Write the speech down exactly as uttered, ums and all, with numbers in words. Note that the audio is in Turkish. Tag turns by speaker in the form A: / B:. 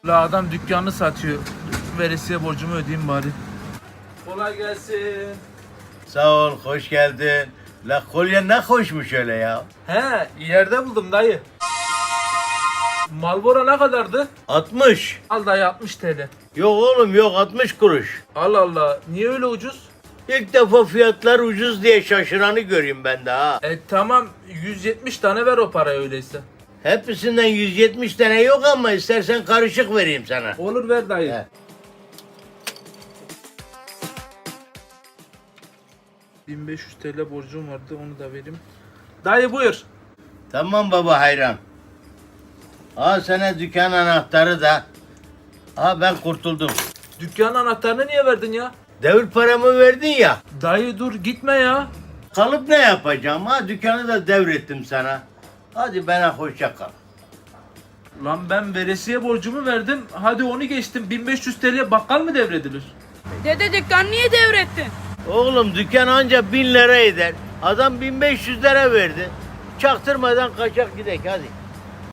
A: La adam dükkanını satıyor. Veresiye borcumu ödeyeyim bari. Kolay gelsin.
B: Sağ ol, hoş geldin. La kolye ne hoşmuş öyle ya.
A: He, yerde buldum dayı. Marlboro ne kadardı?
B: altmış.
A: Al dayı altmış T L.
B: Yok oğlum yok altmış kuruş.
A: Allah Allah, niye öyle ucuz?
B: İlk defa fiyatlar ucuz diye şaşıranı göreyim ben de ha.
A: E tamam, yüz yetmiş tane ver o parayı öyleyse.
B: Hepsinden yüz yetmiş tane yok ama istersen karışık vereyim sana.
A: Olur ver dayı.
B: He.
A: bin beş yüz T L borcum vardı, onu da vereyim. Dayı buyur.
B: Tamam baba hayran. Al sana dükkan anahtarı da. Ha ben kurtuldum.
A: Dükkanın anahtarını niye verdin ya?
B: Devir paramı verdin ya.
A: Dayı dur gitme ya.
B: Kalıp ne yapacağım ha? Dükkanı da devrettim sana. Hadi bana hoşça kal.
A: Lan ben veresiye borcumu verdim. Hadi onu geçtim. bin beş yüz T L'ye bakkal mı devredilir?
C: Dede dükkan niye devrettin?
B: Oğlum dükkan anca bin lira eder. Adam bin beş yüz lira verdi. Çaktırmadan kaçak gidek hadi.